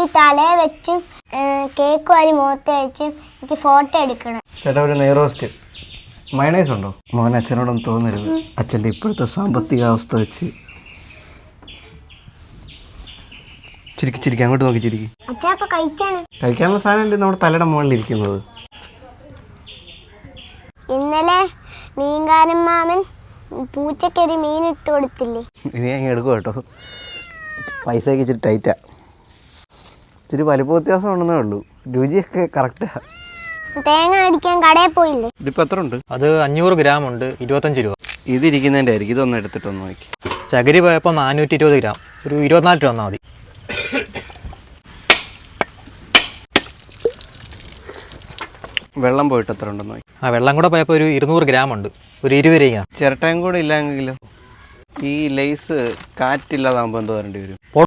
തലേ വെച്ചും കേക്ക് വാരി മുഖത്ത് വെച്ചും എനിക്ക് ഫോട്ടോ എടുക്കണം. ചേട്ടാ ഒരു നെയ്റോസ്റ്റ് മയണൈസ് ഉണ്ടോ? മോൻ അച്ഛനോടൊന്നും തോന്നരുത്. അച്ഛൻ്റെ ഇപ്പോഴത്തെ സാമ്പത്തിക അവസ്ഥ വെച്ച് ചിരിക്കി അങ്ങോട്ട് നോക്കി ചിരിക്കി. അച്ഛാ അപ്പൊ കഴിക്കാനുള്ള സാധനം നമ്മുടെ തലയുടെ മുകളിൽ ഇരിക്കുന്നത്. ഇന്നലെ മീൻകാരൻ മാമൻ പൂച്ചക്കൊരു മീൻ ഇട്ട് കൊടുത്തില്ലേ? ഇനി അങ്ങ് എടുക്കും കേട്ടോ. പൈസയൊക്കെ ഇച്ചിരി ടൈറ്റാ, ഇച്ചിരി വലിപ്പ വ്യത്യാസം ഉണ്ടെന്നേ ഉള്ളൂ. രുചിയൊക്കെ കറക്റ്റാ. തേങ്ങ അടിക്കാൻ കടയിൽ പോയില്ലേ? ഇതിപ്പോൾ എത്ര ഉണ്ട്? അത് 500 ഗ്രാം ഉണ്ട്, 25 രൂപ. ഇതിരിക്കുന്നതിൻ്റെ ആയിരിക്കും. ഇതൊന്ന് എടുത്തിട്ടൊന്ന് നോക്കി. ചകിരി പോയപ്പോൾ 420 ഗ്രാം, ഒരു 24 രൂപ വന്നാൽ മതി. വെള്ളം പോയിട്ട് എത്ര ഉണ്ടെന്ന് നോക്കി. വെള്ളം കൂടെ പോയപ്പോൾ ഒരു 200 ഗ്രാം ഉണ്ട്, ഒരു 20 രൂപ. ചിരട്ടയും കൂടെ ഇല്ലെങ്കിലോ? ഈ ലേസ് കാറ്റില്ലാതാകുമ്പോൾ എന്തോ വരേണ്ടി വരും?